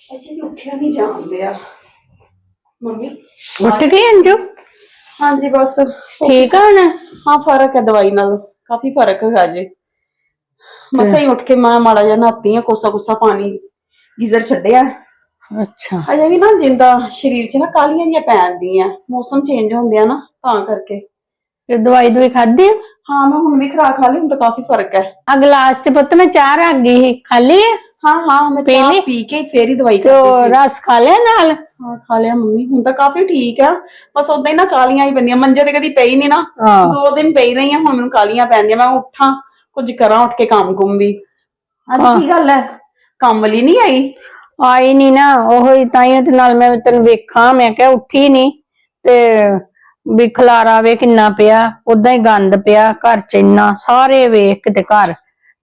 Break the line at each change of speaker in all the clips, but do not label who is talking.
अजी उठिया नहीं जान दिया मम्मी।
उठ गई अंजू?
हाँ जी बस
ठीक है ना?
हाँ फर्क है दवाई नाल काफी फर्क है जी। मसा ही उठ के मैं माड़ा जा नहाती है कोसा कोसा पानी गीजर छड्डिया।
अच्छा
अजे भी ना जिंदा शरीर च ना कालियां जियां पैंदियां मौसम चेंज होंदे आ ना तां करके।
फिर दवाई खाधी?
हाँ मैं हुण भी खुराक खा ली हुण तो काफी फर्क है।
आ गिलास च पुत्त मैं चाह रख गई खाली है।
हाँ हाँ मैं
पी
चाह
ली?
पी के फिर ही दवाई
तो
खाधी सी।
रस खा लिया नाल?
हाँ खा लिया मम्मी हुण तो काफी ठीक है। बस उदा ही ना कालियां ही पैंदियां मंजे ते कदी पई नहीं ना।
हाँ
2 दिन पई रही हूं हुण मैनूं कालियां पैंदियां मैं उठां कुछ करां उठ के काम कुम भी। अज
हाँ
की गल है काम वाली नहीं आई?
आई नहीं ना ओही ताइयों ते नाल मैं तेन वेखा मैं क्या उठी नहीं ते भी खलारा वे किन्ना पिया उदा ही गंद पिया घर च इन्ना सारे वेख के ते घर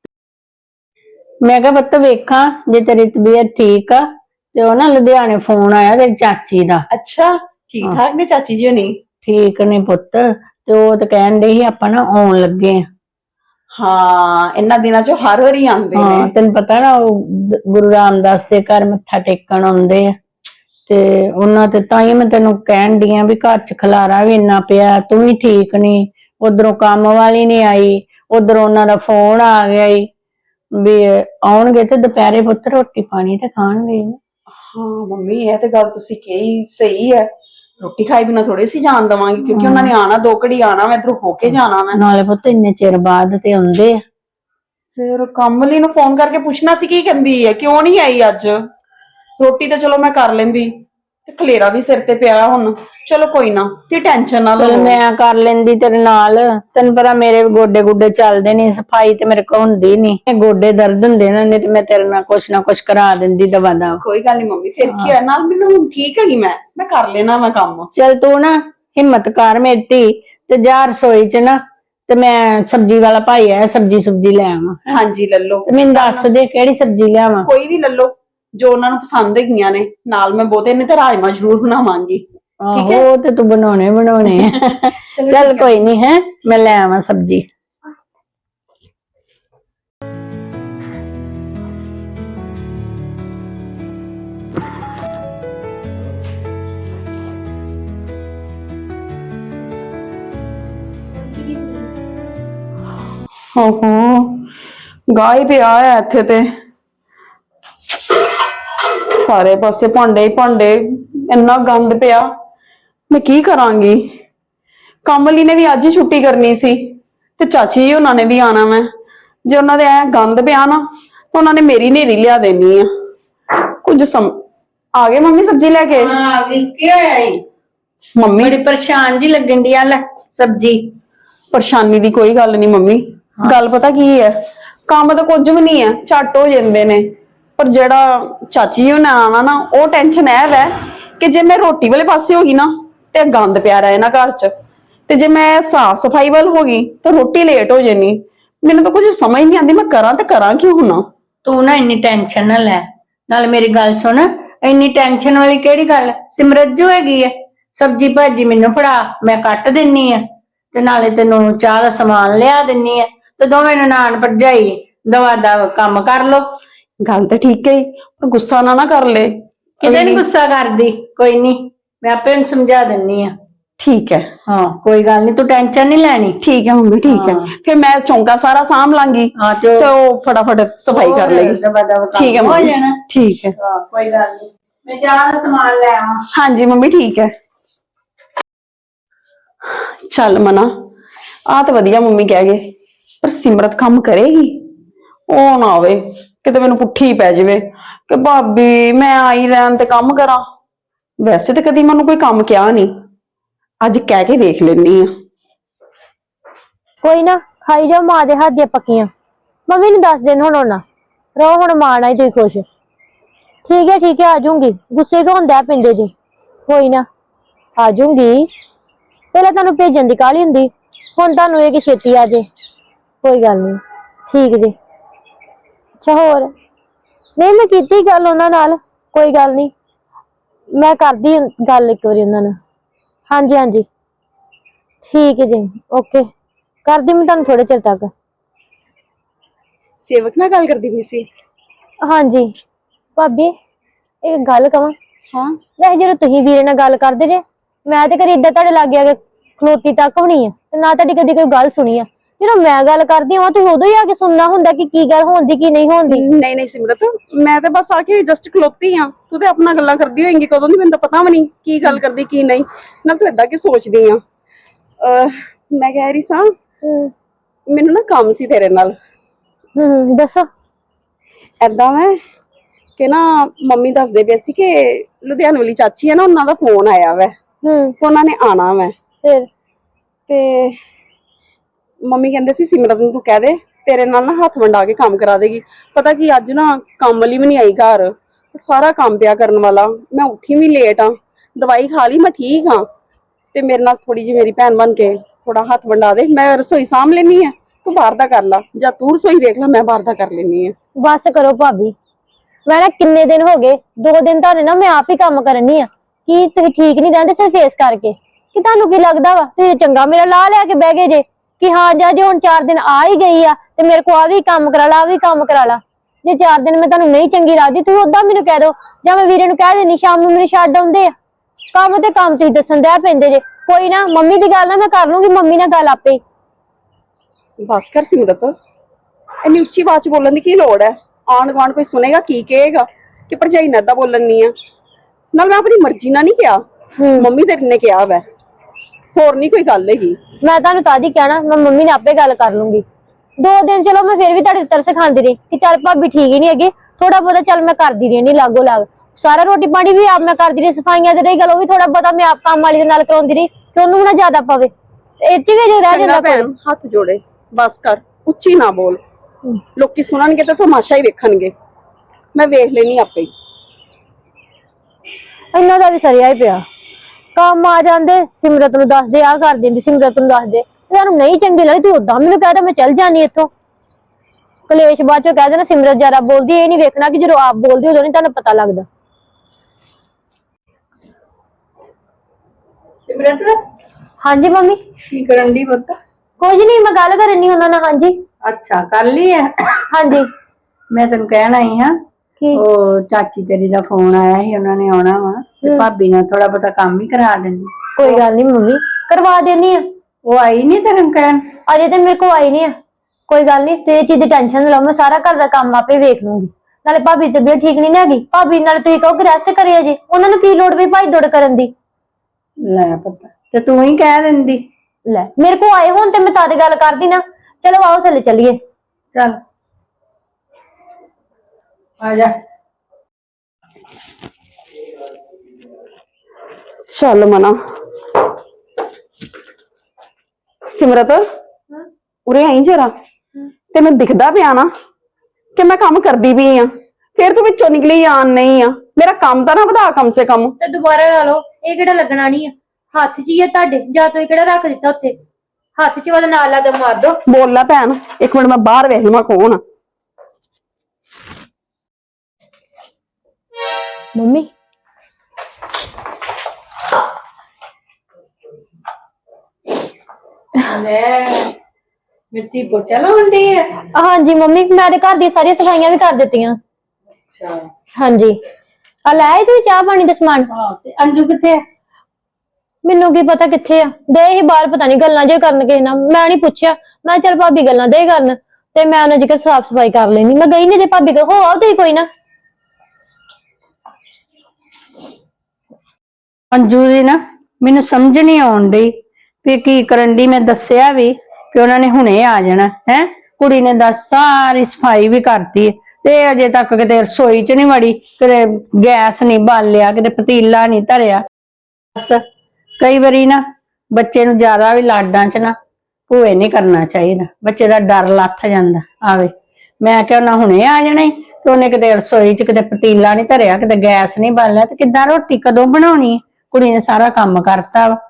मैं क्या पुत्त वेखा जे तेरी तबीयत ठीक आ ते ओ ना लुधियाने फोन आया तेरी चाची दा।
अच्छा ठीक ठाक ने चाची जी होनी?
ठीक ने पुत्त ते ओ ते कहन दे ही आपां ना आउण लगे आ।
हाँ इन्ना दिनां चों हर वारी आंदे ने।
हाँ तेन पता ना गुरु रामदास दे घर मत्था टेकण आउंदे आ ते उन्हां ते ताइयों मैं तेनू कहन दी आ भी घर च खलारा भी इन्ना पिया तू भी ठीक नहीं उधरों काम वाली नहीं आई उधरों उन्हां दा फोन आ गया ई भी आउणगे ते दोपहरे पुत्त रोटी पानी ते खाणगे।
हाँ मम्मी ये तो गल तुसी कही सही है। रोटी खाई बिना थोड़ी सी जान देवांगी क्योंकि उन्होंने आना 2 घड़ी आना मैं इधरों होके जाना मैं।
नाले पुत्त इन्ने चिर बाद ते आउंदे आ।
फिर काम वाली नूं फोन करके पूछना सी की कहंदी है क्यों नहीं आई अज। रोटी तो चलो मैं कर लेंदी ते खलेरा भी सिर ते पिया हुण। चलो कोई ना ती टेंशन ना
चल
लवो।
मैं कर लेंदी तेरे नाल तेन पता मेरे गोडे गुडे चलदे नहीं सफाई ते मेरे को हुंदी नहीं गोडे दर्द हुंदे ना नहीं ते मैं तेरे नाल कुछ ना कुछ करा देंदी दवा दा।
कोई गल नहीं मम्मी फिर की है नाल मैनूं हुण ठीक है मैं कर लेना मैं काम।
चल तू ना हिम्मत कर मेरी धी ते जा रसोई च ना ते मैं सब्जी वाला भाई आया सब्जी सुब्जी ले आवां।
हाँ जी ले लो
ते मैनूं दस दे केड़ी सब्जी लियावां?
कोई भी ले लो जो उन्होंने पसंद हैगियां ने नाल मैं बहुते ने ते राजमा जरूर बनावांगी। ठीक
आहो
है
ते तू बनाने बनाने
चलो
चल
ठीक है।
कोई नहीं है मैं ले आवां सब्जी।
ओहो गाह ही पिया है इत्थे ते सारे पासे भांडे ही भांडे इन्ना गंद पिया मैं की करांगी। काम वाली ने भी अज ही छुट्टी करनी सी ते चाची जी उन्होंने भी आना मैं जे उन्होंने ऐ गंद पिया ना तो उन्होंने मेरी नेरी लिया देनी है कुछ आ गए मम्मी सब्जी लेके? मम्मी
बड़ी परेशान जी लगन दी आ सब्जी।
परेशानी दी कोई गल नहीं मम्मी। गल पता की है काम तो कुछ भी नहीं है झट हो जाते ने पर जेड़ा चाची जी ने आना ना वो टेंशन है वै कि जे मैं रोटी वाले पासे होगी ना ते गंद पिया रहे ना घर च ते जे मैं साफ सफाई वाल होगी तो रोटी लेट हो जानी। मैनू तो कुछ समझ नहीं आती मैं करा क्यों हुना।
तू ना इन्नी टेंशन ना लै नाल मेरी गल सुन इन्नी टेंशन वाली केड़ी गल सिमरत जो हैगी है सब्जी भाजी मैनू फड़ा मैं कट दिन्नी आ ते नाले तेनू चाह दा समान लिया दिन्नी आ ते दोवें ननान भरजाई दवा दव काम कर लो।
गल तो ठीक है पर गुस्सा ना कर ले।
किते नहीं गुस्सा करदी कोई नहीं मैं आपे उन्हें समझा दिन्नी आ।
ठीक है
हाँ कोई गल नहीं तू टेंशन नहीं लैनी।
ठीक है मम्मी ठीक है फिर मैं चौंका सारा साम लांगी
हाँ
तो वो फटाफट सफाई कर लेगी।
दवा दव
ठीक है
हो
मम्मी
जाना।
ठीक है।
हाँ कोई गल नहीं मैं चाह दा समान ले आवां।
हाँ जी मम्मी ठीक है। चल मना आ तो वधिया मम्मी कह गए पर सिमरत काम करेगी ओ ना आवे किते मैनू पुठी पै जावे कि भाभी मैं आई रैन ते काम करा। वैसे तो कदी मैनू कोई काम किया नहीं अज कह के देख लेनी आ।
कोई ना खाई जाओ मां दे हाथ दियां पक्कियां मम्मी ने 10 दिन हुण होना रहो हुण मां नाल ही तुसीं खुश। ठीक है आ जाऊंगी गुस्से क्यों होंदा पिंदे जी कोई ना आ जाऊंगी पहले तुहानू भेजन दी काहली हुंदी हुण तुहानू एह कि छेती आ जे कोई गल नहीं ठीक जी। अच्छा होर नहीं मैं कीती गल उन्हां नाल कोई गल नहीं मैं करदी गल एक बारी उन्हां नाल। हाँ जी ठीक है जी ओके करदी मैं तुहानू थोड़े चिर तक।
सेवक नाल गल करदी पई सी?
हाँ जी भाभी ਇੱਕ ਗੱਲ ਕਵਾਂ,
ਹਾਂ
ਵੈਸੇ ਜਦੋਂ ਤੁਸੀਂ ਵੀਰੇ ਨਾਲ ਗੱਲ ਕਰਦੇ ਜੇ, ਮੈਂ ਤੇ ਕਦੀ ਏਦਾਂ ਤੁਹਾਡੇ ਲਾਗੇ ਆ ਕੇ ਖਲੋਤੀ ਤੱਕ ਵੀ ਨਹੀਂ ਆ, ਤੇ ਨਾ ਤੁਹਾਡੀ ਕਦੀ ਕੋਈ ਗੱਲ ਸੁਣੀ ਆ। ਜਦੋਂ ਮੈਂ ਗੱਲ ਕਰਦੀ ਹਾਂ ਤੁਸੀਂ ਉਦੋਂ ਹੀ ਆ ਕੇ ਸੁਣਨਾ ਹੁੰਦਾ ਕਿ ਕੀ ਗੱਲ ਹੋਣ ਦੀ ਕੀ ਨਹੀਂ ਹੋਣ ਦੀ।
ਨਹੀਂ ਨਹੀਂ ਸਿਮਰਤ, ਮੈਂ ਤੇ ਬਸ ਆ ਕੇ ਜਸਟ ਖਲੋਤੀ ਆ, ਤੂੰ ਤੇ ਆਪਣਾ ਗੱਲਾਂ ਕਰਦੀ ਹੋਏਂਗੀ ਕਦੋਂ ਦੀ, ਮੈਨੂੰ ਤਾਂ ਪਤਾ ਵੀ ਨਹੀਂ ਕੀ ਗੱਲ ਕਰਦੀ ਕੀ ਨਹੀਂ। ਨਾ ਤੂੰ ਏਦਾਂ ਕੀ ਸੋਚਦੀ ਆ। ਮੈਂ ਕਹਿ ਰਹੀ ਸਾਂ, ਮੈਨੂੰ ਨਾ ਕੰਮ ਸੀ ਤੇਰੇ ਨਾਲ।
ਦੱਸੋ।
ਏਦਾਂ ਮੈਂ ਕਿ ਨਾ ਮੰਮੀ ਦੱਸਦੇ ਪਏ ਸੀ ਕਿ ਲੁਧਿਆਣੇ ਵਾਲੀ ਚਾਚੀ ਹੈ ਨਾ, ਉਹਨਾਂ ਦਾ ਫੋਨ ਆਇਆ ਵੈ, ਉਹਨਾਂ ਨੇ ਆਣਾ ਵੈ।
ਫਿਰ
ਤੇ ਮੰਮੀ ਕਹਿੰਦੇ ਸੀ ਸਿਮਰਤ ਨੂੰ ਤੂੰ ਕਹਿ ਦੇ ਤੇਰੇ ਨਾਲ ਨਾ ਹੱਥ ਵੰਡਾ ਕੇ ਕੰਮ ਕਰਾ ਦੇਗੀ। ਪਤਾ ਕੀ ਅੱਜ ਨਾ ਕੰਮ ਵਾਲੀ ਵੀ ਨਹੀਂ ਆਈ ਘਰ, ਸਾਰਾ ਕੰਮ ਪਿਆ ਕਰਨ ਵਾਲਾ। ਮੈਂ ਉੱਠੀ ਵੀ ਲੇਟ ਆ, ਦਵਾਈ ਖਾ ਲਈ, ਮੈਂ ਠੀਕ ਹਾਂ। ਤੇ ਮੇਰੇ ਨਾਲ ਥੋੜੀ ਜਿਹੀ ਮੇਰੀ ਭੈਣ ਬਣ ਕੇ ਥੋੜਾ ਹੱਥ ਵੰਡਾ ਦੇ, ਮੈਂ ਰਸੋਈ ਸਾਂਭ ਲੈਣੀ ਆ, ਤੂੰ ਬਾਹਰ ਦਾ ਕਰ ਲਾ, ਜਾਂ ਤੂੰ ਰਸੋਈ ਵੇਖ ਲੈ, ਮੈਂ ਬਾਹਰ ਦਾ ਕਰ ਲੈਣੀ ਆ।
ਬਸ ਕਰੋ ਭਾਬੀ, ਮੈਂ ਨਾ ਕਿੰਨੇ ਦਿਨ ਹੋ ਗਏ, 2 ਦਿਨ ਤੁਹਾਡੇ ਨਾ ਮੈਂ ਆਪ ਹੀ ਕੰਮ ਕਰਨੀ ਆ। ਕੀ ਤੁਸੀਂ ਠੀਕ ਨਹੀਂ ਰਹਿੰਦੇ ਸਿਰ ਫੇਸ ਕਰਕੇ? ਕਿ ਤੁਹਾਨੂੰ ਕੀ ਲੱਗਦਾ ਵਾ ਤੁਸੀਂ ਚੰਗਾ ਮੇਰਾ ਲਾ ਲਿਆ ਕੇ ਬਹਿ ਗਏ ਜੇ ਕਿ ਹਾਂ ਜਾ ਜੇ ਹੁਣ 4 ਦਿਨ ਆ ਹੀ ਗਈ ਆ ਤੇ ਮੇਰੇ ਕੋਲ ਆ ਵੀ ਕੰਮ ਕਰਾ ਲਾ, ਆ ਵੀ ਕੰਮ ਕਰਾ ਲਾ। ਜੇ 4 ਦਿਨ ਮੈਂ ਤੁਹਾਨੂੰ ਨਹੀਂ ਚੰਗੀ ਲੱਗਦੀ ਤੁਸੀਂ ਉਦਾਂ ਮੈਨੂੰ ਕਹਿ ਦਿਓ, ਜਾਂ ਮੈਂ ਵੀਰੇ ਨੂੰ ਕਹਿ ਦੇਣੀ ਸ਼ਾਮ ਨੂੰ ਮੈਨੂੰ ਛੱਡ ਆਉਂਦੇ ਆ। ਕੰਮ ਤੇ ਕੰਮ ਤੁਸੀਂ ਦੱਸਣ ਦਿਆ ਪੈਂਦੇ ਜੇ। ਕੋਈ ਨਾ, ਮੰਮੀ ਦੀ ਗੱਲ ਨਾ ਮੈਂ ਕਰ ਲੂੰਗੀ, ਮੰਮੀ ਨਾਲ ਗੱਲ ਆਪੇ ਹੀ।
ਬਸ ਕਰ ਸਿਮਰਤ, ਇੰਨੀ ਉੱਚੀ ਆਵਾਜ਼ ਚ ਬੋਲਣ ਦੀ ਕੀ ਲੋੜ ਹੈ? ਆਂਢ ਗੁਆਂਢ ਕੋਈ ਸੁਣੇਗਾ ਕੀ ਕਹੇਗਾ ਕਿ ਭਰਜਾਈ ਨੇ ਏਦਾਂ ਬੋਲਣ ਨਹੀਂ ਆ। ਨਾਲ ਮੈਂ ਆਪਣੀ ਮਰਜ਼ੀ ਨਾਲ ਨਹੀਂ ਕਿਹਾ, ਮੰਮੀ ਤੇਰੇ ਨੇ ਕਿਹਾ ਵੈ, ਹੋਰ ਨਹੀਂ ਕੋਈ ਗੱਲ ਹੈਗੀ।
ਮੈਂ ਤੁਹਾਨੂੰ ਤਾਂ ਹੀ ਕਹਿਣਾ, ਮੈਂ ਮੰਮੀ ਨਾਲ ਆਪੇ ਗੱਲ ਕਰ ਲੂੰਗੀ। 2 ਦਿਨ ਚਲੋ ਮੈਂ ਫਿਰ ਵੀ ਤੁਹਾਡੇ ਤਰਸ ਖਾਂਦੀ ਰਹੀ ਕਿ ਚੱਲ ਭਾਬੀ ਠੀਕ ਹੀ ਨਹੀਂ ਹੈਗੀ, ਥੋੜਾ ਬਹੁਤਾ ਚੱਲ ਮੈਂ ਕਰਦੀ ਰਹੀ ਨਹੀਂ ਲਾਗੋ ਲਾਗ, ਸਾਰਾ ਰੋਟੀ ਪਾਣੀ ਵੀ ਆਪ ਮੈਂ ਕਰਦੀ ਰਹੀ, ਸਫਾਈਆਂ ਦੇ ਰਹੀ ਗੱਲ ਉਹ ਵੀ ਥੋੜਾ ਬਹੁਤਾ ਮੈਂ ਆਪ ਕੰਮ ਵਾਲੀ ਦੇ ਨਾਲ ਕਰਾਉਂਦੀ ਰਹੀ ਕਿ ਉਹਨੂੰ ਨਾ ਜ਼ਿਆਦਾ ਪਵੇ। ਇਹ ਚ ਵੀ ਜੇ ਰਹਿ ਜਾਂਦਾ
ਭੈਣ ਹੱਥ ਜੋੜੇ, ਬਸ ਕਰ, ਉੱਚੀ ਨਾ ਬੋਲ, ਲੋਕੀ ਸੁਣਨਗੇ ਤਾਂ ਤਮਾਸ਼ਾ ਹੀ ਵੇਖਣਗੇ। ਮੈਂ ਵੇਖ ਲੈਣੀ ਆਪੇ ਹੀ।
ਇਹਨਾਂ ਦਾ ਵੀ ਸਰਿਆ ਹੀ ਪਿਆ, ਕੰਮ ਆ ਜਾਂਦੇ ਸਿਮਰਤ ਨੂੰ ਦੱਸਦੇ, ਆ ਕਰ ਦਿੰਦੀ ਸਿਮਰਤ ਨੂੰ ਦੱਸਦੇ, ਤੁਹਾਨੂੰ ਨਹੀਂ ਚੰਗੀ ਲੱਗਦੀ ਤੂੰ ਉਦਾਂ ਮੈਨੂੰ ਕਹਿ ਦੇ ਮੈਂ ਚੱਲ ਜਾਣੀ ਇੱਥੋਂ। ਕਲੇਸ਼ ਬਾਅਦ ਚੋਂ ਕਹਿ ਦੇਣਾ ਸਿਮਰਤ ਜ਼ਿਆਦਾ ਬੋਲਦੀ, ਇਹ ਨਹੀਂ ਵੇਖਣਾ ਕਿ ਜਦੋਂ ਆਪ ਬੋਲਦੀ ਉਦੋਂ ਨਹੀਂ ਤੁਹਾਨੂੰ ਪਤਾ ਲੱਗਦਾ।
ਸਿਮਰਤ
ਹਾਂਜੀ ਮੰਮੀ।
ਕੀ ਕਰਨ ਦੀ ਪੁੱਤ?
ਕੁਝ ਨਹੀਂ, ਮੈਂ ਗੱਲ ਕਰਨੀ ਉਹਨਾਂ ਨਾਲ। ਹਾਂਜੀ
ਅੱਛਾ ਕਰ ਲਈ ਹੈ।
ਹਾਂਜੀ।
ਮੈਂ ਤੈਨੂੰ ਕਹਿਣ ਆਈ ਹਾਂ,
ਕੀ?
ਉਹ ਚਾਚੀ ਤੇਰੀ ਦਾ ਫੋਨ ਆਇਆ ਸੀ, ਉਹਨਾਂ ਨੇ ਆਉਣਾ ਵਾ ਤੇ ਭਾਬੀ ਨਾਲ ਥੋੜਾ ਬਹੁਤਾ ਕੰਮ ਹੀ ਕਰਾ ਦਿੰਦੀ।
ਕੋਈ ਗੱਲ ਨਹੀਂ ਮੰਮੀ, ਕਰਵਾ ਦੇਣੀ ਆ।
ਉਹ ਆਈ ਨਹੀਂ ਤੈਨੂੰ ਕਹਿਣ?
ਅਜੇ ਤੇ ਮੇਰੇ ਕੋਲ ਆਈ ਨਹੀਂ ਆ। ਕੋਈ ਗੱਲ ਨਹੀਂ, ਤੇ ਇਹ ਚੀਜ਼ ਦੀ ਟੈਨਸ਼ਨ ਨਾ ਲਓ, ਮੈਂ ਸਾਰਾ ਘਰ ਦਾ ਕੰਮ ਆਪੇ ਵੇਖ ਲੂੰਗੀ। ਨਾਲੇ ਭਾਬੀ ਦੀ ਤਬੀਅਤ ਠੀਕ ਨਹੀਂ ਹੈਗੀ, ਭਾਬੀ ਨਾਲ ਤੁਸੀਂ ਕਹੋ ਕਿ ਰੈਸਟ ਕਰਿਆ ਜੇ, ਉਹਨਾਂ ਨੂੰ ਕੀ ਲੋੜ ਵੀ ਭਾਈ ਦੌੜ ਕਰਨ ਦੀ।
ਲੈ ਪਤਾ ਤੇ ਤੂੰ ਹੀ ਕਹਿ ਦਿੰਦੀ।
ਲੈ ਮੇਰੇ ਕੋਲ ਆਏ ਹੁਣ ਤੇ ਮੈਂ ਤਾਂ ਗੱਲ ਕਰਦੀ ਨਾ। ਚਲੋ ਆਓ ਥੱਲੇ ਚੱਲੀਏ।
ਚੱਲ ਆ ਜਾ।
ਚੱਲ ਮਨਾ। ਸਿਮਰਤ ਉਰੇ ਆਈ ਜਰਾ, ਤੈਨੂੰ ਦਿਖਦਾ ਪਿਆ ਨਾ ਕਿ ਮੈਂ ਕੰਮ ਕਰਦੀ ਵੀ ਆ, ਫਿਰ ਤੂੰ ਵਿੱਚੋਂ ਨਿਕਲੀ ਆਣ ਨਹੀਂ ਆ। ਮੇਰਾ ਕੰਮ ਤਾਂ ਨਾ ਵਧਾ ਕਮ ਸੇ ਕਮ।
ਤੇ ਦੁਬਾਰਾ ਲਾ ਲਓ, ਇਹ ਕਿਹੜਾ ਲੱਗਣਾ ਨਹੀਂ ਆ, ਹੱਥ 'ਚ ਹੀ ਆ ਤੁਹਾਡੇ, ਜਾਂ ਤੁਸੀਂ ਕਿਹੜਾ ਰੱਖ ਦਿੱਤਾ ਉੱਥੇ, ਹੱਥ 'ਚ ਵਾਲਾ ਨਾਲ ਲਾ ਕੇ ਮਾਰ ਦੋ।
ਬੋਲ ਲੈ ਭੈਣ, ਇੱਕ ਮਿੰਟ ਮੈਂ ਬਾਹਰ ਵੇਖ ਲਵਾਂ ਕੌਣ ਆ।
ਮੰਮੀ
ਲੈ ਮਿੱਟੀ ਪੋਚਾ ਲਾਉਂਦੀ ਹੈ।
ਹਾਂਜੀ ਮੰਮੀ, ਮੈਂ ਤੇ ਘਰ ਦੀਆਂ ਸਾਰੀਆਂ ਸਫਾਈਆਂ ਵੀ ਕਰ ਦਿੱਤੀਆਂ।
ਅੱਛਾ
ਹਾਂਜੀ, ਆ ਲੈ ਆਈ ਤੁਸੀਂ ਚਾਹ ਪਾਣੀ ਦਾ ਸਮਾਨ?
ਹਾਂ, ਤੇ ਅੰਜੂ ਕਿੱਥੇ ਹੈ?
ਮੈਨੂੰ ਕੀ ਪਤਾ ਕਿੱਥੇ ਆ, ਦੇ ਹੀ ਬਾਹਰ ਪਤਾ ਨਹੀਂ ਗੱਲਾਂ ਜੇ ਕਰਨ ਕਿਸੇ ਨਾਲ, ਮੈਂ ਨਹੀਂ ਪੁੱਛਿਆ। ਮੈਂ ਚੱਲ ਭਾਬੀ ਗੱਲਾਂ ਦੇ ਕਰਨ ਤੇ ਮੈਂ ਉਹਨਾਂ ਜਿਕਰ ਸਾਫ ਸਫਾਈ ਕਰ ਲੈਣੀ। ਮੈਂ ਗਈ ਨਹੀਂ ਜੇ ਭਾਬੀ ਕੋ, ਹੋ ਆਓ ਤੁਸੀਂ ਕੋਈ ਨਾ।
ਅੰਜੂ ਦੀ ਨਾ ਮੈਨੂੰ ਸਮਝ ਨਹੀਂ ਆਉਣ ਡਈ ਵੀ ਕੀ ਕਰਨ ਦੀ। ਮੈਂ ਦੱਸਿਆ ਵੀ ਕਿ ਉਹਨਾਂ ਨੇ ਹੁਣੇ ਆ ਜਾਣਾ ਹੈ। ਕੁੜੀ ਨੇ ਦੱਸ ਸਾਰੀ ਸਫਾਈ ਵੀ ਕਰਤੀ ਤੇ ਅਜੇ ਤੱਕ ਕਿਤੇ ਰਸੋਈ 'ਚ ਨਹੀਂ ਵੜੀ, ਕਿਤੇ ਗੈਸ ਨਹੀਂ ਬਾਲਿਆ, ਕਿਤੇ ਪਤੀਲਾ ਨਹੀਂ ਧਰਿਆ। ਬਸ ਕਈ ਵਾਰੀ ਨਾ ਬੱਚੇ ਨੂੰ ਜ਼ਿਆਦਾ ਵੀ ਲਾਡਾਂ 'ਚ ਨਾ ਭੂਏ ਨਹੀਂ ਕਰਨਾ ਚਾਹੀਦਾ, ਬੱਚੇ ਦਾ ਡਰ ਲੱਥ ਜਾਂਦਾ। ਆਵੇ ਮੈਂ ਕਿਹਾ ਉਹਨਾਂ ਹੁਣੇ ਆ ਜਾਣਾ ਤੇ ਉਹਨੇ ਕਿਤੇ ਰਸੋਈ 'ਚ ਕਿਤੇ ਪਤੀਲਾ ਨਹੀਂ ਧਰਿਆ, ਕਿਤੇ ਗੈਸ ਨਹੀਂ ਬਾਲਿਆ, ਤੇ ਕਿੱਦਾਂ ਰੋਟੀ ਕਦੋਂ ਬਣਾਉਣੀ? ਕੁੜੀ ਨੇ ਸਾਰਾ ਕੰਮ ਕਰਤਾ ਵਾ।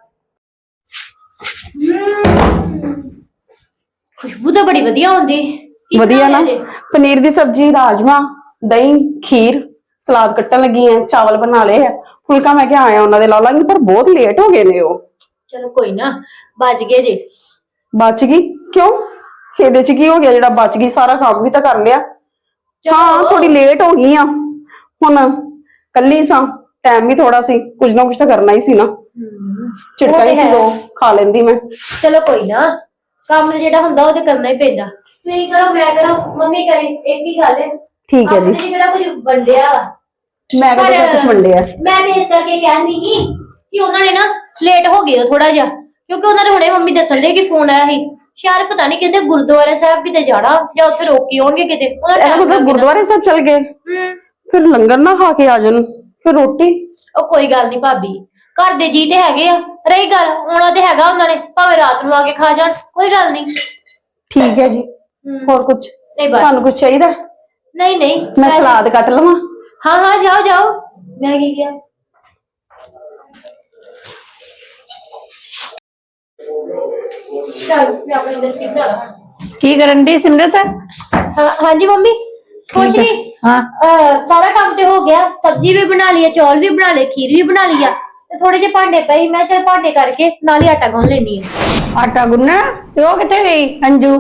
ਖੁਸ਼ਬੂ ਤਾਂ ਬੜੀ ਵਧੀਆ ਹੁੰਦੀ।
ਵਧੀਆ ਨਾ, ਪਨੀਰ ਦੀ ਸਬਜ਼ੀ, ਰਾਜਮਾ, ਦਹੀਂ, ਖੀਰ, ਸਲਾਦ ਕੱਟਣ ਲੱਗੀ ਐ, ਚਾਵਲ ਬਣਾ ਲਏ ਆ, ਫੁਲਕਾ ਮੈਂ ਕਿਹਾ ਆਇਆ ਉਹਨਾਂ ਦੇ ਲਾ ਲਾਂਗੀ, ਪਰ ਬਹੁਤ ਲੇਟ ਹੋ ਗਏ ਨੇ ਉਹ।
ਚਲੋ ਕੋਈ ਨਾ, ਬਚ ਗਏ ਜੇ।
ਬਚ ਗਈ ਕਿਉਂ? ਇਹਦੇ 'ਚ ਕੀ ਹੋ ਗਿਆ ਜਿਹੜਾ ਬਚ ਗਈ? ਸਾਰਾ ਕੰਮ ਵੀ ਤਾਂ ਕਰ ਲਿਆ। ਹਾਂ ਥੋੜੀ ਲੇਟ ਹੋ ਗਈ ਆ ਹੁਣ। ਕੱਲੀ ਸਾਂ, ਟਾਈਮ ਵੀ ਥੋੜਾ ਸੀ, ਕੁਝ ਨਾ ਕੁਝ ਤਾਂ ਕਰਨਾ ਹੀ ਸੀ ਨਾ। ਝਿੜਕਾਂ ਹੀ ਸੀ, ਦੋ ਖਾ ਲੈਂਦੀ ਮੈਂ।
ਚਲੋ ਕੋਈ ਨਾ, ਕੰਮ ਜਿਹੜਾ ਹੁੰਦਾ ਉਹ ਤੇ ਕਰਨਾ ਹੀ ਪੈਂਦਾ। ਤੁਸੀਂ ਕਰੋ, ਮੈਂ ਕਰਾਂ, ਮੰਮੀ ਕਰੇ, ਇੱਕ ਹੀ ਗੱਲ ਹੈ।
ਠੀਕ ਹੈ ਜੀ।
ਆਪਣੇ ਜਿਹੜਾ ਕੁਝ ਵੰਡਿਆ ਵਾ,
ਮੈਂ ਕਹਿੰਦਾ ਸਭ ਕੁਝ ਵੰਡਿਆ।
ਮੈਂ ਤੇ ਇਸ ਕਰਕੇ ਕਹਿੰਦੀ ਸੀ ਕਿ ਉਹਨਾਂ ਨੇ ਨਾ ਲੇਟ ਹੋ ਗਏ ਥੋੜਾ ਜਿਹਾ, ਕਿਉਂਕਿ ਉਹਨਾਂ ਨੇ ਹੁਣੇ ਮੰਮੀ ਦੱਸਣ ਦੇ ਕਿ ਫੋਨ ਆਇਆ ਸੀ, ਸ਼ਾਇਦ ਪਤਾ ਨਹੀਂ ਕਿਤੇ ਗੁਰਦੁਆਰਾ ਸਾਹਿਬ ਕਿਤੇ ਜਾਣਾ ਜਾਂ ਉੱਥੇ ਰੋਕੀ ਹੋਣਗੇ ਕਿਤੇ।
ਇਹਦਾ ਮਤਲਬ ਗੁਰਦੁਆਰੇ ਸਾਹਿਬ ਚਲ ਗਏ, ਫਿਰ ਲੰਗਰ ਨਾ ਖਾ ਕੇ ਆ ਜਾਣ, ਫਿਰ ਰੋਟੀ।
ਉਹ ਕੋਈ ਗੱਲ ਨਹੀਂ ਭਾਬੀ, ਘਰ ਦੇ ਜੀ ਤੇ ਹੈਗੇ ਆ। ਰਹੀ ਗੱਲ, ਆਉਣਾ ਤੇ ਹੈਗਾ ਉਹਨਾਂ ਨੇ, ਭਾਵੇਂ ਰਾਤ ਨੂੰ ਆ ਕੇ ਖਾ ਜਾਣ, ਕੋਈ ਗੱਲ ਨਹੀਂ।
ਠੀਕ ਹੈ ਜੀ। ਹੋਰ ਕੁਝ
ਨਹੀਂ ਬਸ।
ਤੁਹਾਨੂੰ ਕੁਝ ਚਾਹੀਦਾ?
ਨਹੀਂ ਨਹੀਂ,
ਮੈਂ ਸਲਾਦ ਕੱਟ ਲਵਾਂ?
ਹਾਂ ਹਾਂ, ਜਾਓ ਜਾਓ। ਮੈਂ ਕੀ ਕਿਹਾ? ਚਲ ਮੈਂ ਆਪਣੀ ਲੱਸੀ ਬਣਾ ਲਾਂ।
ਕੀ ਕਰਨ ਦੀ ਸਿਮਰਤ?
ਹਾਂਜੀ ਮੰਮੀ, ਕੁਛ ਨਹੀਂ।
ਹਾਂ,
ਸਾਰਾ ਕੰਮ ਤੇ ਹੋ ਗਿਆ, ਸਬਜ਼ੀ ਵੀ ਬਣਾ ਲਈ ਹੈ, ਚੌਲ ਵੀ ਬਣਾ ਲਏ, ਖੀਰ ਵੀ ਬਣਾ ਲਈ ਆ, ਤੇ ਥੋੜੇ ਜਿਹੇ ਭਾਂਡੇ ਪਏ, ਮੈਂ ਚਲ ਭਾਂਡੇ ਕਰਕੇ ਨਾਲ ਹੀ ਆਟਾ ਗੁੰਨ ਲੈਣੀ ਆ।
ਆਟਾ ਗੁੰਨਣਾ? ਤੇ ਉਹ ਕਿੱਥੇ ਗਈ ਅੰਜੂ?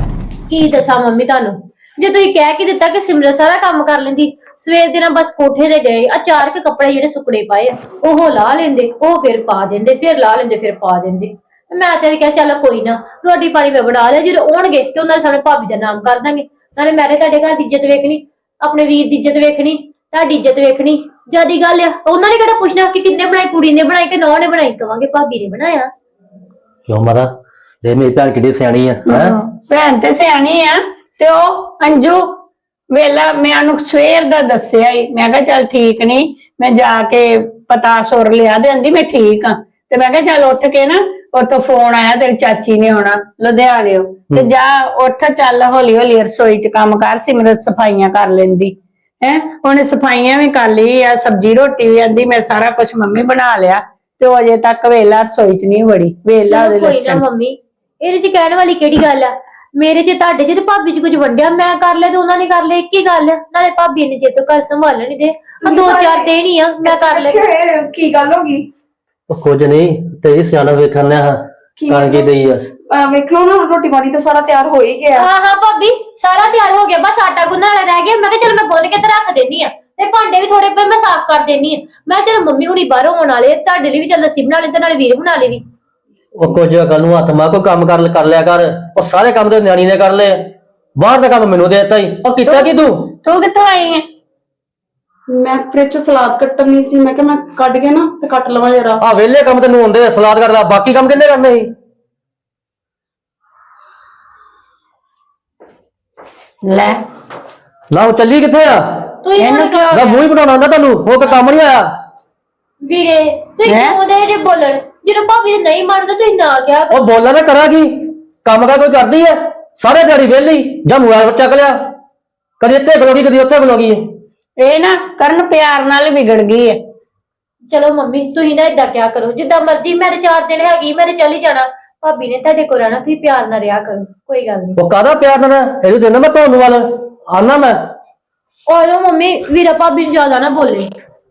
ਕੀ ਦੱਸਾਂ ਮੰਮੀ ਤੁਹਾਨੂੰ, ਜੇ ਤੁਸੀਂ ਕਹਿ ਕੇ ਦਿੱਤਾ ਕਿ ਸਿਮਰਨ ਸਾਰਾ ਕੰਮ ਕਰ ਲੈਂਦੀ, ਸਵੇਰ ਦੇ ਨਾਲ ਬਸ ਕੋਠੇ ਤੇ ਗਏ, ਚਾਰ ਕੇ ਕੱਪੜੇ ਜਿਹੜੇ ਸੁੱਕਣੇ ਪਏ ਆ ਉਹ ਲਾ ਲੈਂਦੇ, ਉਹ ਫਿਰ ਪਾ ਦਿੰਦੇ, ਫਿਰ ਲਾ ਲੈਂਦੇ, ਫਿਰ ਪਾ ਦਿੰਦੇ। ਮੈਂ ਤੇ ਕਿਹਾ ਚੱਲ ਕੋਈ ਨਾ, ਰੋਟੀ ਪਾਣੀ ਮੈਂ ਬਣਾ ਲਿਆ, ਜਦੋਂ ਆਉਣਗੇ ਤੇ ਉਹਨਾਂ ਨੇ ਸਾਨੂੰ ਭਾਬੀ ਦਾ ਨਾਮ ਕਰ ਦਾਂਗੇ। ਨਾਲੇ ਮੈਂ ਤੁਹਾਡੇ ਘਰ ਦੀ ਇੱਜ਼ਤ ਵੇਖਣੀ, ਆਪਣੇ ਵੀਰ ਦੀ ਇੱਜ਼ਤ ਵੇਖਣੀ, ਤੁਹਾਡੀ ਇੱਜ਼ਤ ਵੇਖਣੀ। ਜਿਆਦੀ ਗੱਲ ਆ, ਉਹਨਾਂ ਨੇ ਕਿਹੜਾ ਪੁੱਛਣਾ ਕਿ ਕਿੰਨੇ ਬਣਾਈ, ਕੁੜੀ ਨੇ ਬਣਾਈ ਕਿ ਨੌਂ ਨੇ ਬਣਾਈ, ਕਵਾਂਗੇ ਭਾਬੀ ਨੇ ਬਣਾਇਆ।
ਕਿਉਂ ਮਾਤਾ, ਦੇ ਮੇਰੀ ਭੈਣ ਕਿੱਡੀ ਸਿਆਣੀ ਆ।
ਭੈਣ ਤੇ ਸਿਆਣੀ ਆ, ਤੇ ਉਹ ਅੰਜੂ ਵੇਲਾ ਮੈਂ ਉਹਨੂੰ ਸਵੇਰ ਦਾ ਦੱਸਿਆ ਹੀ, ਮੈਂ ਕਿਹਾ ਚੱਲ ਠੀਕ ਨਹੀਂ, ਮੈਂ ਜਾ ਕੇ ਪਤਾ ਸੁਰ ਲਿਆ ਦੇ, ਆਂਦੀ ਮੈਂ ਠੀਕ ਆ। ਤੇ ਮੈਂ ਕਿਹਾ ਚੱਲ ਉੱਠ ਕੇ ਨਾ, ਉੱਥੋਂ ਫੋਨ ਆਇਆ ਤੇਰੀ ਚਾਚੀ ਨੇ ਆਉਣਾ ਲੁਧਿਆਣਿਓ, ਤੇ ਜਾ ਉੱਠ, ਚੱਲ ਹੌਲੀ ਹੌਲੀ ਰਸੋਈ ਚ ਕੰਮ ਕਰ, ਸਿਮਰਤ ਸਫਾਈਆਂ ਕਰ ਲੈਂਦੀ ਹੈ। ਉਹਨੇ ਸਫਾਈਆਂ ਵੀ ਕਰ ਲਈ ਆ, ਸਬਜ਼ੀ ਰੋਟੀ ਵੀ ਆਂਦੀ ਮੈਂ ਸਾਰਾ ਕੁਝ ਮੰਮੀ ਬਣਾ ਲਿਆ, ਤੇ ਉਹ ਅਜੇ ਤੱਕ ਵੇਲਾ ਰਸੋਈ ਚ ਨਹੀਂ ਵੜੀ। ਵੇਲਾ ਉਹਦੇ
ਕੋਈ ਨਾ
ਲੱਛਣ।
ਮੰਮੀ, ਇਹਦੇ ਚ ਕਹਿਣ ਵਾਲੀ ਕਿਹੜੀ ਗੱਲ ਆ? ਮੇਰੇ ਚ ਤੁਹਾਡੇ ਚ ਤੇ ਭਾਬੀ ਚ ਕੁਝ ਵੰਡਿਆ, ਮੈਂ ਕਰ ਲਿਆ ਤੇ ਉਹਨਾਂ ਨੇ ਕਰ ਲਿਆ, ਇੱਕ ਹੀ ਗੱਲ ਆ। ਨਾਲੇ ਭਾਬੀ ਨੇ ਜੇ ਤੋਂ ਘਰ ਸੰਭਾਲਣ ਨਹੀਂ ਦੇ, ਦੋ ਚਾਰ ਦਿਨ ਹੀ ਆ, ਮੈਂ ਕਰ ਲਿਆ।
ਕੀ ਗੱਲ ਹੋ ਗਈ?
ਉਹ ਕੁਝ ਨਹੀਂ, ਤੇਰੀ ਸਿਆਣਾ ਵੇਖਣ ਲਿਆ ਕਰ ਕੀ ਦਈ ਆ।
ਵੇਖ ਲਓ ਨਾ, ਰੋਟੀ ਪਾਣੀ ਤਾਂ ਸਾਰਾ ਤਿਆਰ ਹੋ ਹੀ ਗਿਆ।
ਹਾਂ ਹਾਂ ਭਾਬੀ, ਸਾਰਾ ਤਿਆਰ ਹੋ ਗਿਆ, ਬਸ ਆਟਾ ਗੁੰਨਣ ਵਾਲਾ ਰਹਿ ਗਿਆ। ਮੈਂ ਕਿਹਾ ਚਲ ਮੈਂ ਗੁੰਨ ਕੇ ਤੇ ਰੱਖ ਦੇਣੀ ਆ, ਤੇ ਭਾਂਡੇ ਵੀ ਥੋੜੇ ਪਏ ਮੈਂ ਸਾਫ਼ ਕਰ ਦੇਣੀ ਆ। ਮੈਂ ਚਲ ਮੰਮੀ ਹੁਣੀ ਬਾਹਰੋਂ ਆਉਣ ਵਾਲੇ, ਤੁਹਾਡੇ ਲਈ ਵੀ ਚੱਲ ਲੱਸੀ ਬਣਾ ਲੈ, ਤੇ ਨਾਲੇ ਵੀਰ ਬਣਾ ਲੈ ਵੀ।
ਉਹ ਕੁਝ ਗੱਲ ਨੂੰ ਹੱਥ ਮਾਰ, ਕੋਈ ਕੰਮ ਕਰ ਲਿਆ ਕਰ। ਉਹ ਸਾਰੇ ਕੰਮ ਤੇ ਨਿਆਣੀ ਨੇ ਕਰ ਲਏ, ਬਾਹਰ ਦਾ ਕੰਮ ਮੈਨੂੰ ਦੇ ਦਿੱਤਾ ਹੀ। ਉਹ ਕੀਤਾ ਕੀ ਤੂੰ
ਕਿੱਥੋਂ ਆਈ ਹੈ?
ਮੈਂ ਫ੍ਰਿਜ ਚ ਸਲਾਦ ਕੱਟਣੀ ਸੀ, ਮੈਂ ਕਿਹਾ ਮੈਂ ਕੱਢ ਕੇ ਨਾ ਤੇ ਕੱਟ ਲਵਾਂ ਜਰਾ।
ਆ ਵਿਹਲੇ ਕੰਮ ਤੈਨੂੰ ਆਉਂਦੇ ਆ, ਸਲਾਦ ਕਰਦਾ, ਬਾਕੀ ਕੰਮ ਕਿੰਨੇ ਕਰਨੇ ਸੀ?
ਲੈ
ਨਾ ਉਹ ਚੱਲੀ ਕਿੱਥੇ ਆ?
ਤੁਸੀਂ
ਇਹਨੂੰ
ਹੁਣ
ਕਿਉਂ?
ਨਾ ਮੂੰਹ ਹੀ ਬਣਾਉਣਾ ਹੁੰਦਾ ਤੁਹਾਨੂੰ, ਉਹ ਕੋਈ ਕੰਮ ਨਹੀਂ ਆਇਆ।
ਵੀਰੇ ਤੁਸੀਂ ਕਿਉਂ ਦੇ ਜੇ ਬੋਲਣ, ਜਦੋਂ ਭਾਬੀ ਨੇ ਨਹੀਂ ਮੰਨਦਾ ਤੁਸੀਂ ਨਾ ਕਿਹਾ।
ਉਹ ਬੋਲਾਂ ਨਾ ਕਰਾਂ ਕੀ, ਕੰਮ ਕਾ ਕੋਈ ਕਰਦੀ ਐ? ਸਾਰੇ ਦਿਹਾੜੀ ਵਿਹਲੀ, ਜਾਂ ਮੋਬਾਈਲ ਚੱਕ ਲਿਆ, ਕਦੀ ਇੱਥੇ ਖਲੋਗੀ ਕਦੀ ਉੱਥੇ ਖਲੋਗੀ।
ਇਹ ਨਾ ਕਰਨ ਪਿਆਰ ਨਾਲ ਵਿਗੜ ਗਈ ਹੈ।
ਚਲੋ ਮੰਮੀ, ਤੁਸੀਂ ਨਾ ਏਦਾਂ ਕਿਆ ਕਰੋ, ਜਿੱਦਾਂ ਮਰਜ਼ੀ, ਮੇਰੇ 4 ਦਿਨ ਹੈਗੀ, ਮੇਰੇ ਚਲੀ ਜਾਣਾ। ਭਾਬੀ ਨੇ ਤੁਹਾਡੇ ਕੋਲ ਰਹਿਣਾ, ਤੁਸੀਂ ਪਿਆਰ ਨਾਲ ਰਿਹਾ ਕਰੋ, ਕੋਈ ਗੱਲ ਨਹੀਂ।
ਉਹ ਕਾਹਦਾ ਪਿਆਰ ਨਾਲ? ਇਹਨੂੰ ਦੇਣਾ ਮੈਂ ਤੁਹਾਨੂੰ ਵੱਲ ਆਨਾ ਮੈਂ।
ਔਰ ਮੰਮੀ, ਵੀਰਾ ਭਾਬੀ ਨੂੰ ਜ਼ਿਆਦਾ ਨਾ ਬੋਲੇ।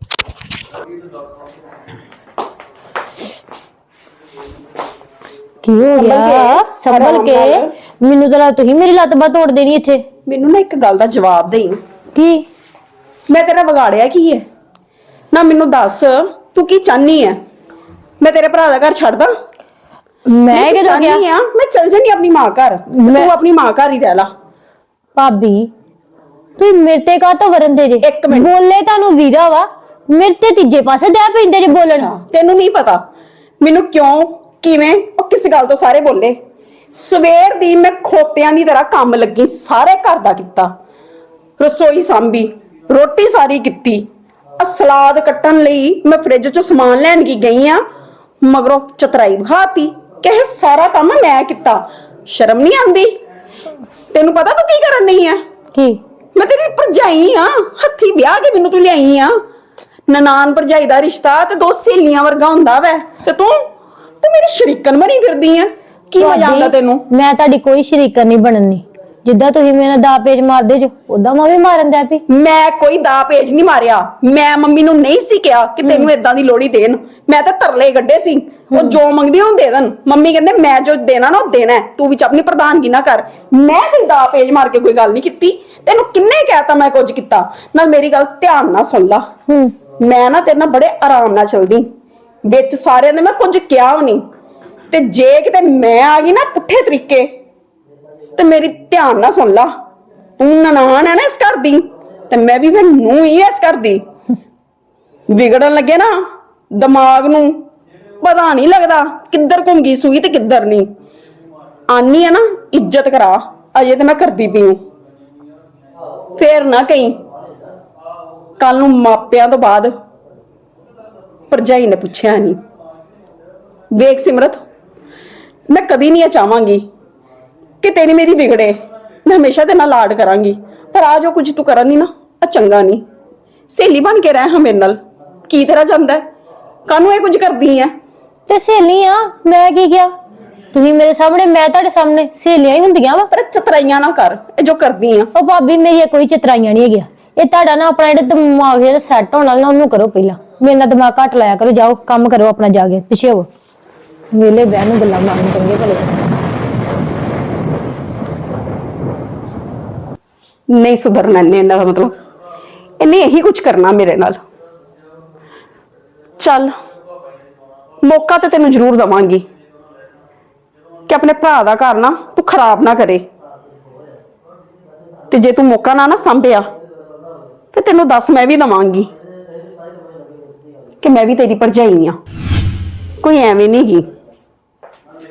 ਕੀ ਹੋ ਗਿਆ? ਸੰਭਲ ਕੇ, ਮੈਨੂੰ ਤਾਂ ਤੁਸੀਂ ਮੇਰੀ ਲੱਤ ਬਾਹ ਤੋੜ ਦੇਣੀ ਇੱਥੇ।
ਮੈਨੂੰ ਨਾ ਇੱਕ ਗੱਲ ਦਾ ਜਵਾਬ ਦੇਈ।
ਕੀ?
ਮੈਂ ਤੇਰਾ ਵਿਗਾੜਿਆ ਕੀ ਹੈ? ਨਾ ਮੈਨੂੰ ਦੱਸ, ਤੂੰ ਕੀ ਚਾਹਨੀ ਹੈ? ਮੈਂ ਤੇਰੇ ਭਰਾ ਦਾ ਘਰ ਛੱਡਦਾ?
ਮੈਂ ਕਿਦੋਂ ਕਿਹਾ?
ਮੈਂ ਚਲ ਜਾਨੀ ਆਪਣੀ ਮਾਂ ਘਰ, ਤੂੰ ਆਪਣੀ ਮਾਂ ਘਰ ਹੀ ਰਹਿ ਲਾ।
ਭਾਬੀ ਤੁਸੀਂ ਮੇਰੇ ਤੇ ਕਾਹ ਤੋਂ ਵਰਨ ਦੇ ਜੇ?
ਇੱਕ ਮਿੰਟ।
ਬੋਲੇ ਤੁਹਾਨੂੰ ਵੀਰਾ ਵਾ, ਮੇਰੇ ਤੇ ਤੀਜੇ ਪਾਸੇ ਦੇ ਪੈਂਦੇ ਜੇ ਬੋਲਣ।
ਤੈਨੂੰ ਨਹੀਂ ਪਤਾ ਮੈਨੂੰ ਕਿਉਂ, ਕਿਵੇਂ, ਉਹ ਕਿਸ ਗੱਲ ਤੋਂ ਸਾਰੇ ਬੋਲੇ। ਸਵੇਰ ਦੀ ਮੈਂ ਖੋਤਿਆਂ ਦੀ ਤਰ੍ਹਾਂ ਕੰਮ ਲੱਗੀ, ਸਾਰੇ ਘਰ ਦਾ ਕੀਤਾ, ਰਸੋਈ ਸਾਂਭੀ, ਰੋਟੀ ਸਾਰੀ ਕੀਤੀ। ਸਲਾਦ ਕੱਟਣ ਲਈ ਮੈਂ ਫ੍ਰਿਜ ਚੋਂ ਸਮਾਨ ਲੈਣ ਗਈ ਆ, ਮਗਰੋਂ ਚਤਰਾਈ ਵਿਖਾਤੀ ਕਿ ਇਹ ਸਾਰਾ ਕੰਮ ਮੈਂ ਕੀਤਾ। ਸ਼ਰਮ ਨਹੀਂ ਆਉਂਦੀ? ਤੈਨੂੰ ਪਤਾ ਤੂੰ ਕੀ ਕਰਨ ਨਹੀਂ ਆ?
ਕੀ?
ਮੈਂ ਤੇਰੀ ਭਰਜਾਈ ਆ, ਹੱਥੀ ਵਿਆਹ ਕੇ ਮੈਨੂੰ ਤੂੰ ਲਿਆਈ ਆ। ਨਨਾਣ ਭਰਜਾਈ ਦਾ ਰਿਸ਼ਤਾ ਤੇ ਦੋ ਸਹੇਲੀਆਂ ਵਰਗਾ ਹੁੰਦਾ ਵੈ, ਤੇ ਤੂੰ ਮੇਰੀ ਸ਼ਰੀਕਨ ਬਣੀ ਫਿਰਦੀ ਆ। ਕੀ ਮਜ਼ਾ ਆਉਂਦਾ ਤੈਨੂੰ?
ਮੈਂ ਤੁਹਾਡੀ ਕੋਈ ਸ਼ਰੀਕਨ ਨਹੀਂ ਬਣਨੀ। ਜਿੱਦਾਂ ਤੁਸੀਂ ਮੇਰੇ ਦਾ ਪੇਜ ਮਾਰਦੇ ਜੋ, ਉਦਾਂ ਮੈਂ ਵੀ ਮਾਰਨ ਦਾ ਪਈ।
ਮੈਂ ਕੋਈ ਦਾ ਪੇਜ ਨਹੀਂ ਮਾਰਿਆ। ਮੈਂ ਮੰਮੀ ਨੂੰ ਨਹੀਂ ਸੀ ਕਿਹਾ ਕਿ ਤੈਨੂੰ ਏਦਾਂ ਦੀ ਲੋੜੀ ਦੇਣ। ਮੈਂ ਤਾਂ ਤਰਲੇ ਗੱਡੇ ਸੀ, ਉਹ ਜੋ ਮੰਗਦੀ ਉਹ ਦੇ ਦੇਣ। ਮੰਮੀ ਕਹਿੰਦੇ ਮੈਂ ਜੋ ਦੇਣਾ ਨਾ ਉਹ ਦੇਣਾ, ਤੂੰ ਵਿੱਚ ਆਪਣੀ ਪ੍ਰਧਾਨਗੀ ਨਾ ਕਰ। ਮੈਂ ਕੋਈ ਦਾ ਪੇਜ ਮਾਰ ਕੇ ਕੋਈ ਗੱਲ ਨਹੀਂ ਕੀਤੀ। ਤੈਨੂੰ ਕਿੰਨੇ ਕਹਿਤਾ ਮੈਂ ਕੁਝ ਕੀਤਾ? ਨਾਲ ਮੇਰੀ ਗੱਲ ਧਿਆਨ ਨਾਲ ਸੁਣ ਲਾ। ਮੈਂ ਨਾ ਤੇਰੇ ਨਾਲ ਬੜੇ ਆਰਾਮ ਨਾਲ ਚਲਦੀ, ਵਿੱਚ ਸਾਰਿਆਂ ਨੇ ਮੈਂ ਕੁਝ ਕਿਹਾ ਵੀ ਨਹੀਂ। ਤੇ ਜੇ ਕਿਤੇ ਮੈਂ ਆ ਗਈ ਨਾ ਪੁੱਠੇ ਤਰੀਕੇ, ਤੇ ਮੇਰੀ ਧਿਆਨ ਨਾਲ ਸੁਣ ਲਾ, ਤੂੰ ਨਨਾਣ ਹੈ ਨਾ ਇਸ ਘਰ ਦੀ, ਤੇ ਮੈਂ ਵੀ ਫਿਰ ਨੂੰ ਹੀ ਇਸ ਘਰ ਦੀ। ਵਿਗੜਨ ਲੱਗੇ ਨਾ ਦਿਮਾਗ ਨੂੰ ਪਤਾ ਨਹੀਂ ਲੱਗਦਾ ਕਿੱਧਰ ਘੁੰਮ ਗਈ ਸੂਈ ਤੇ ਕਿੱਧਰ ਨਹੀਂ। ਆਨੀ ਹੈ ਨਾ ਇੱਜ਼ਤ ਕਰਾ, ਅਜੇ ਤੇ ਮੈਂ ਕਰਦੀ ਪਈ ਹੂੰ। ਫੇਰ ਨਾ ਕਹੀਂ ਕੱਲ ਨੂੰ ਮਾਪਿਆਂ ਤੋਂ ਬਾਅਦ ਭਰਜਾਈ ਨੇ ਪੁੱਛਿਆ ਨਹੀਂ। ਵੇਖ ਸਿਮਰਤ, ਮੈਂ ਕਦੀ ਨਹੀਂ ਇਹ ਚਾਹਾਂਗੀ ਕਿ ਤੇਰੀ ਮੇਰੀ ਵਿਗੜੇ। ਮੈਂ ਹਮੇਸ਼ਾ ਤੇਰੇ ਨਾਲ ਲਾਡ ਕਰਾਂਗੀ, ਪਰ ਆ ਜੋ ਕੁਝ ਤੂੰ ਕਰਨ ਨਹੀਂ ਨਾ, ਆ ਚੰਗਾ ਨਹੀਂ। ਸਹੇਲੀ ਬਣ ਕੇ ਰਹਿ ਹਾਂ ਮੇਰੇ ਨਾਲ, ਕੀ ਤੇਰਾ ਜਾਂਦਾ? ਕਾਹਨੂੰ ਇਹ ਕੁਝ ਕਰਦੀ ਐ?
ਤੇ ਸਹੇਲੀ ਆ, ਮੈਂ ਕੀ ਕਿਹਾ? ਤੁਸੀਂ ਮੇਰੇ ਸਾਹਮਣੇ, ਮੈਂ ਤੁਹਾਡੇ ਸਾਹਮਣੇ, ਸਹੇਲੀਆਂ ਹੀ ਹੁੰਦੀਆਂ ਵਾ।
ਪਰ ਚਤਰਾਈਆਂ ਨਾ ਕਰ ਇਹ ਜੋ ਕਰਦੀ ਆ।
ਉਹ ਭਾਬੀ ਮੇਰੀ ਕੋਈ ਚਤਰਾਈਆਂ ਨਹੀਂ ਹੈਗੀਆਂ। ਇਹ ਤੁਹਾਡਾ ਨਾ ਆਪਣਾ ਜਿਹੜਾ ਦਿਮਾਗ ਜਿਹੜਾ ਸੈੱਟ ਹੋਣਾ ਨਾ ਉਹਨੂੰ ਕਰੋ ਪਹਿਲਾਂ। ਮੇਰੇ ਨਾਲ ਦਿਮਾਗ ਘੱਟ ਲਾਇਆ ਕਰੋ, ਜਾਓ ਕੰਮ ਕਰੋ ਆਪਣਾ, ਜਾ ਕੇ ਪਿੱਛੇ ਹੋ ਵੇਲੇ ਬਹਿਣ ਨੂੰ ਗੱਲਾਂ ਮਾਰਨ ਚੰਗੇ ਭਲੇ।
ਨਹੀਂ ਸੁਧਰਨਾ ਇਹਨੇ, ਇਹਦਾ ਮਤਲਬ ਇਹਨੇ ਇਹੀ ਕੁਝ ਕਰਨਾ ਮੇਰੇ ਨਾਲ। ਚੱਲ ਮੌਕਾ ਤੇ ਤੈਨੂੰ ਜ਼ਰੂਰ ਦਵਾਂਗੀ ਕਿ ਆਪਣੇ ਭਰਾ ਦਾ ਘਰ ਨਾ ਤੂੰ ਖਰਾਬ ਨਾ ਕਰੇ। ਤੇ ਜੇ ਤੂੰ ਮੌਕਾ ਨਾ ਸੰਭਿਆ ਤੇ ਤੈਨੂੰ ਦੱਸ ਮੈਂ ਵੀ ਦਵਾਂਗੀ ਕਿ ਮੈਂ ਵੀ ਤੇਰੀ ਭਰਜਾਈ ਆ, ਕੋਈ ਐਵੇਂ ਨਹੀਂ ਗੀ।